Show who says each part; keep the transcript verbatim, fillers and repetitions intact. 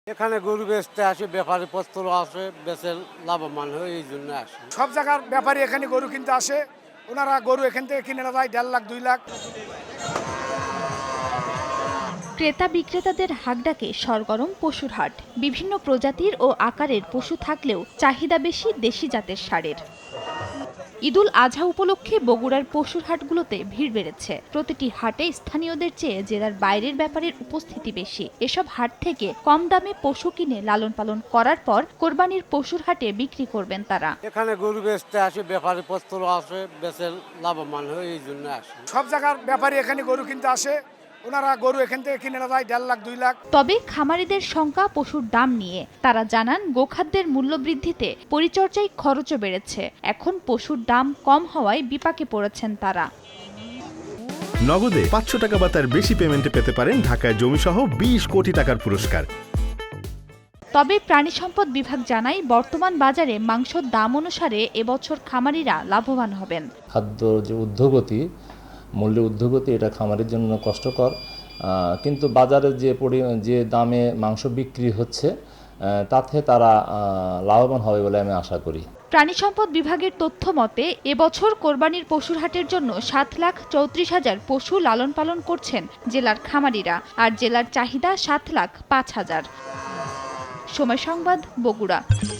Speaker 1: এখানে গরু বেচতে আসে, ব্যাপারী পত্র আসে, বেচে লাভবান হয়, এই জন্য আসে।
Speaker 2: সব জায়গার ব্যাপারী এখানে গরু কিনতে আসে, ওনারা গরু এখান থেকে কিনে নেয় দেড় লাখ দুই লাখ।
Speaker 3: ক্রেতা বিক্রেতাদের হাঁকডাকে সরগরম পশুর হাট। বিভিন্ন প্রজাতির ও আকারের পশু থাকলেও চাহিদা বেশি দেশি জাতের ষাঁড়ের। ঈদুল আজহা উপলক্ষে বগুড়ার পশুর হাটগুলোতে ভিড় বেড়েছে। প্রতিটি হাটে স্থানীয়দের চেয়ে জেলার বাইরের ব্যাপারের উপস্থিতি বেশি। এসব হাট থেকে কম দামে পশু কিনে লালন পালন করার পর কোরবানির পশুর হাটে বিক্রি করবেন তারা।
Speaker 1: এখানে গরু বেচতে আসে, ব্যাপারী পত্র আসে, বেচে লাভবান হয়, এই জন্য আসে।
Speaker 2: সব জায়গার ব্যাপারী এখানে গরু কিনতে আসে, ওনারা গরু এখান থেকে কিনে নেয় দেড় লাখ দুই লাখ।
Speaker 3: তবে খামারিদের শঙ্কা পশুর দাম নিয়ে। তারা জানান গোখাদ্যের মূল্য বৃদ্ধিতে পরিচর্যায় খরচও বেড়েছে। এখন পশুর দাম কম হওয়ায় বিপাকে পড়েছেন তারা।
Speaker 4: নগদে পাঁচশো টাকা বা তার বেশি পেমেন্টে পেতে পারেন ঢাকায় জমিসহ বিশ কোটি টাকার পুরস্কার।
Speaker 3: তবে প্রাণী সম্পদ বিভাগ জানায়, বর্তমান বাজারে মাংসর দাম অনুসারে এবছর খামারিরা লাভবান হবেন।
Speaker 5: খাদ্য যে ঊর্ধ্বগতি, মূল্যের ঊর্ধ্বগতি, এটা খামারের জন্য কষ্টকর, কিন্তু বাজারে যে পরি যে দামে মাংস বিক্রি হচ্ছে তাতে তারা লাভবান হবে বলে আমি আশা করি।
Speaker 3: প্রাণী সম্পদ বিভাগের তথ্য মতে এবছর কোরবানির পশুর হাটের জন্য সাত লাখ চৌত্রিশ হাজার পশু লালন পালন করছেন জেলার খামারিরা, আর জেলার চাহিদা সাত লাখ পাঁচ হাজার। সময় সংবাদ, বগুড়া।